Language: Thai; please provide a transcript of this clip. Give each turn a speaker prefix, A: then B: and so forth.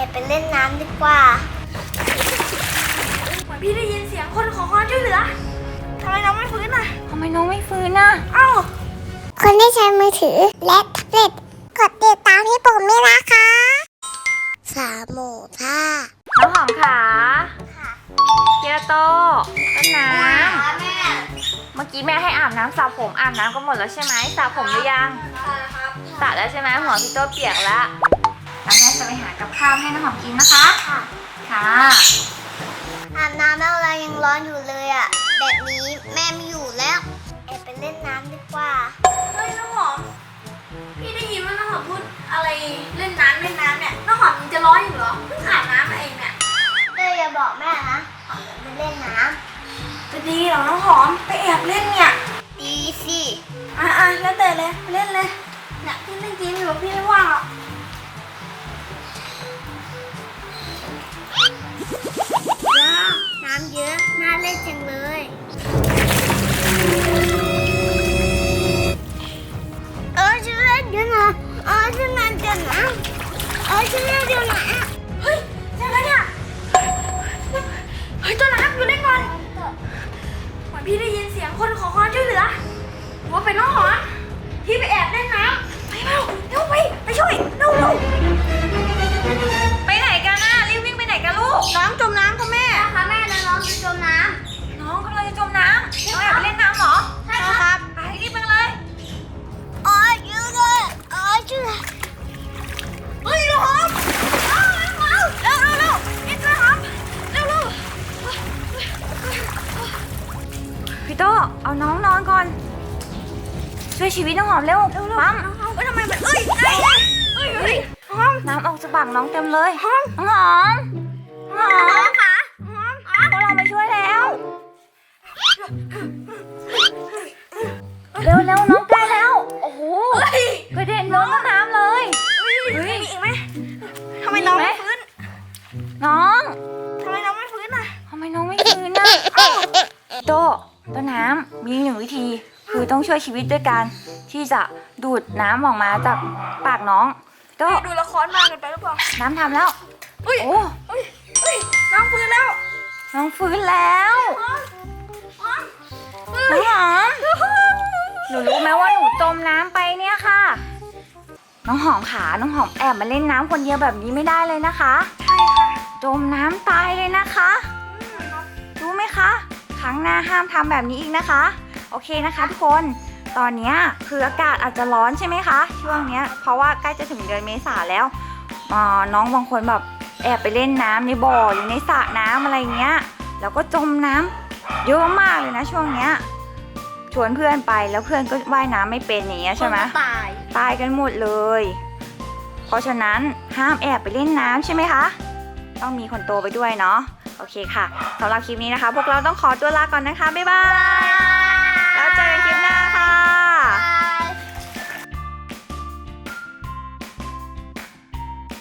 A: ไปเล่นน้ำดีกว่า
B: เหมือนพี่ได้ยินเสียงคนขอความช่วยเหลือทำไมน้องไม่ฟื้นอ่ะ
C: ทำไมน้องไม่ฟื้นน่ะ
B: เอ้า
A: คนที่ใช้มือถือและแท็บเล็ตกดติดตามที่ปุ่มนี้นะคะ3 หมู่ท่า
C: น้องหอมขาเกียโตต้นน้ำเมื่อกี้แม่ให้อาบน้ำสระผมอาบน้ำก็หมดแล้วใช่ไหมสระผมหรือยังสระแล้วใช่ไหมหัวพี่โตเปียกแล้วแม่จะไปหากับข้าวให้น้องหอมกินนะคะค่ะ
A: อาบน้ำแล้วเรายังร้อนอยู่เลยอ่ะแบบนี้แม่ไม่อยู่แล้วไปเล่นน้ำดีกว่า
B: เฮ้ยน้องหอมพี่ได้ยินว่าน้องหอมพูดอะไรเล่นน้ำเนี่ยน้องหอมยังจะร้อนอยู่เหรอเพิ่งอาบน้ำมาเองเนี่ย
A: อย่าบอกแม่นะไปเล่นน้
B: ำจะดีเหรอน้องหอมไปแอบเล่นเนี่ย
A: ดีสิ
B: แล้วแต่เลยเล่นเลยเนี่ยพี่เล่นเกมอยู่พี่ไม่ว่างหรอก
A: ว้าวน้ำเยอะน่าเล่นจังเลยฉันเล่นอยู่นะฉันเล่นอยู่นะฉันเล่นอยู่นะ
B: เฮ้ยยังไงเนี่ยเฮ้ยตัวน้ำอยู่เล่นก่อนเหมือนพี่ได้ยินเสียงคนขอความช่วยเหลือว่าเป็นน้องหอมพี่ไปแอบเล่นน้ำไปเร็วไปช่วยเร็ว
C: ไปไหนกันน่ะรีบวิ่งไปไหนกันลูก
B: น้องจมน้ำค่ะแม่
A: ค่ะแม่น้องจะจมน้
C: ำน้องกำลังจะจมน้ำน้องแอบไปเล่นน้ำเหรอ
B: ใช่ครับ
C: ไปรีบไปเลย
A: ยืดเลยช่วย
B: เฮ้ยน้องหอมเร็วนี่ช่วยหอมเร็ว
C: พี่โตเอาน้องนอนก่อนช่วยชีวิตน้องหอมเร็วปั๊ม
B: ทำไมมันหอม
C: น้ำออกจากปากน้องเต็มเลยน้องหอม
B: ค่ะ
C: พวกเรามาช่วยแล้วเร็วน้องใกล้แล้วโอ้โหกระเด็นน้องน้ำเลย
B: มีอีกไหมทำไมน้องไม่ฟื้น
C: น้อง
B: ทำไมน้องไม่ฟื้นอ่ะ
C: ทำไมน้องไม่ฟื้นนะโตต้นน้ำมี1 วิธีคือต้องช่วยชีวิตด้วยการที่จะดูดน้ำออกมาจากปากน้องโต
B: ดูละครมากเกินไปหรือเปล่า
C: น้ำทำแล้ว
B: โอ้น้องฟื้นแล้ว
C: น้องฟื้นแล้วน้องหอมหนูรู้ไหมว่าหนูจมน้ำไปเนี่ยค่ะน้องหอมขาน้องหอมแอบมาเล่นน้ำคนเดียวแบบนี้ไม่ได้เลยนะคะ
B: ใช่ค่ะ
C: จมน้ำตายเลยนะคะรู้ไหมคะครั้งหน้าห้ามทำแบบนี้อีกนะคะโอเคนะคะทุกคนตอนนี้คืออากาศอาจจะร้อนใช่ไหมคะช่วงนี้เพราะว่าใกล้จะถึงเดือนเมษาแล้วน้องบางคนแบบแอบไปเล่นน้ำในบ่อหรือในสระน้ำอะไรเงี้ยแล้วก็จมน้ำเยอะมากเลยนะช่วงเนี้ยชวนเพื่อนไปแล้วเพื่อนก็ว่ายน้ำไม่เป็นอย่างเงี้ยใช่ไหมตายกันหมดเลยเพราะฉะนั้นห้ามแอบไปเล่นน้ำใช่ไหมคะต้องมีคนโตไปด้วยเนาะโอเคค่ะสำหรับคลิปนี้นะคะพวกเราต้องขอตัวลาก่อนนะคะบ๊ายบาย